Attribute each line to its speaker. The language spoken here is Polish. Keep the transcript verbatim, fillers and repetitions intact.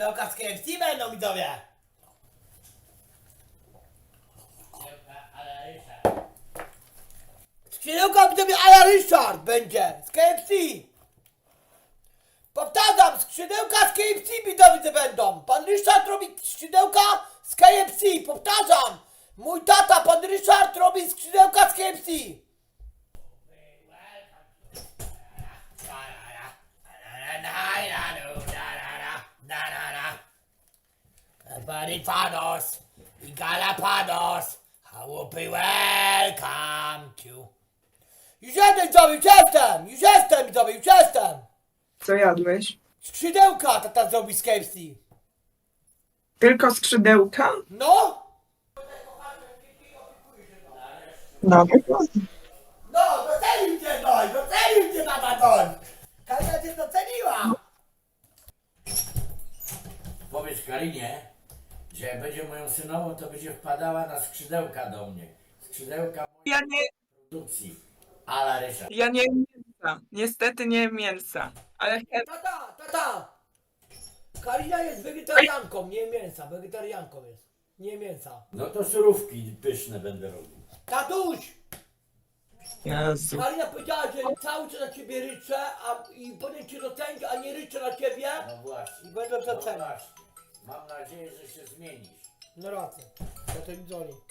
Speaker 1: Skrzydełka z K F C będą, widzowie. Skrzydełka, widzowie, a la Ryszard będzie z K F C. Powtarzam, skrzydełka z K F C, widzowie, będą. Pan Ryszard robi skrzydełka z K F C. Powtarzam, mój tata, pan Ryszard, robi skrzydełka z K F C. Barifanos i Galapanos, I will be welcome to. Już jestem, widzowie, już jestem, już jestem, widzowie, już jestem.
Speaker 2: Co jadłeś?
Speaker 1: Skrzydełka tata zrobi z K F C.
Speaker 2: Tylko skrzydełka?
Speaker 1: No?
Speaker 2: No,
Speaker 1: No, docenił cię ktoś, docenił cię tata ktoś. Kasia cię doceniła.
Speaker 3: Powiedz Karinie, że jak będzie moją synową, to będzie wpadała na skrzydełka do mnie. Skrzydełka
Speaker 2: ja nie,
Speaker 3: produkcji. Ala Ryszard.
Speaker 2: ja nie jem mięsa. Niestety nie jem mięsa. Ale chętnie.
Speaker 1: Tata, tata. Karina jest wegetarianką, nie mięsa, wegetarianką jest. Nie mięsa.
Speaker 3: No to surówki pyszne będę robił.
Speaker 1: Tatuś!
Speaker 2: Jezu.
Speaker 1: Karina powiedziała, że cały czas na ciebie ryczę, a i potem cię docenić, a nie ryczę na ciebie.
Speaker 3: No właśnie.
Speaker 1: I będę
Speaker 3: No
Speaker 1: doceniał.
Speaker 3: właśnie. Mam nadzieję, że się zmienisz.
Speaker 1: No racja. Ja to mi dzwoni.